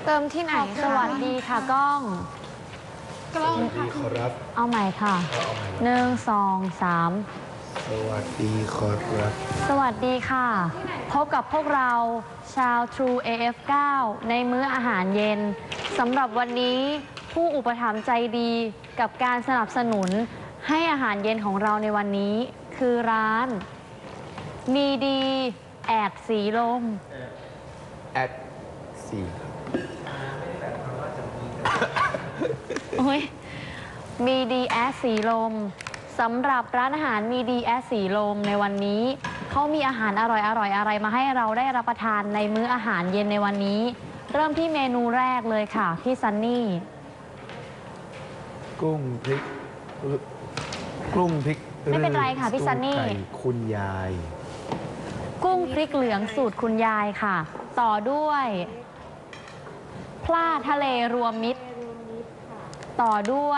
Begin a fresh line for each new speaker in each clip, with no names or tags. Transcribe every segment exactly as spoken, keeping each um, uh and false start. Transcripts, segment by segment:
เติมที่ไหนคะ
สวัสดีค่ะกล้อง
กล้อง
สวัสดีขอรับ
เอาใหม่ค่ะ
เอาใหม่
หนึ่งสองสาม
สวัสดีขอรับ
สวัสดีค่ะ พบกับพวกเราชาว True เอ เอฟ เก้า ในมื้ออาหารเย็นสำหรับวันนี้ผู้อุปถัมภ์ใจดีกับการสนับสนุนให้อาหารเย็นของเราในวันนี้คือร้าน มีดีแอดสีลม
แอดสี่
โอ้ยมีดีแอดสีลมสำหรับร้านอาหารมีดีแอดสีลมในวันนี้เขามีอาหารอร่อยอร่อยอะไรมาให้เราได้รับประทานในมื้ออาหารเย็นในวันนี้ เริ่มที่เมนูแรกเลยค่ะพี่ซันนี่
กุ้งพริกกุ้งพริก
ไม่เป็นไรค่ะพี่ซันนี่
ไก่คุณยาย
กุ้งพริกเหลืองสูตรคุณยายค่ะ ต่อด้วยพลาทะเลรวมมิตร ต่อด้วย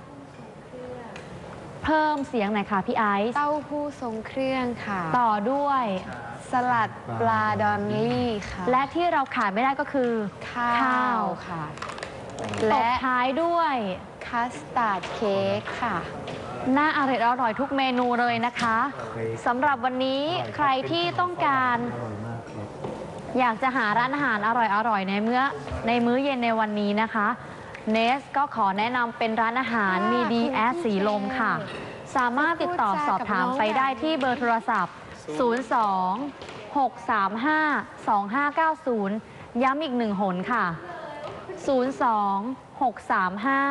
เพิ่มเสียงหน่อยค่ะพี่ไอซ์
เต้าหู้ทรงเครื่องค่ะ
ต่อด้วย
สลัดปลาดอลลี่ค่ะ
และที่เราขาดไม่ได้ก็คือ
ข้า
ข้าว
วค่ะ
ต
และ
บท้ายด้วย
คัสตาร์ดเค้กค่ะ
น่าอร่อยอร่อยทุกเมนูเลยนะคะสำหรับวันนี้ใครที่ต้องการ
อร่อยมากครับ
อยากจะหาร้านอาหารอร่อยๆในมื้อในมื้อเย็นในวันนี้นะคะเนสก็ขอแนะนำเป็นร้านอาหารมีดีแอสสีลมค่ะ สามารถติดต่อสอบถามไปได้ที่เบอร์โทรศัพท์ ศูนย์ สอง หก สาม ห้า สอง ห้า เก้า ศูนย์ ย้ำอีกหนึ่งหนค่ะ ศูนย์ สอง หก สาม ห้า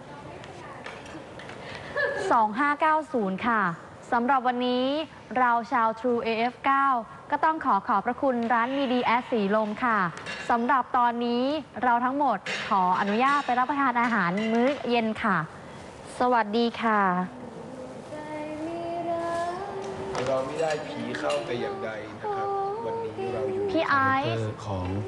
สอง ห้า เก้า ศูนย์ ค่ะสำหรับวันนี้เราชาว True เอ เอฟ เก้า ก็ต้องขอขอบพระคุณร้านมีดีแอสสีลมค่ะสำหรับตอนนี้เราทั้งหมดขออนุญาตไปรับประทานอาหารมื้อเย็นค่ะ สวัสดีค่ะ
เราไม่ได้ผีเข้าแต่อย่างใดนะครับ วันนี้เราอยู่ใน
พี่ไอซ์
คาแรคเตอร์ของ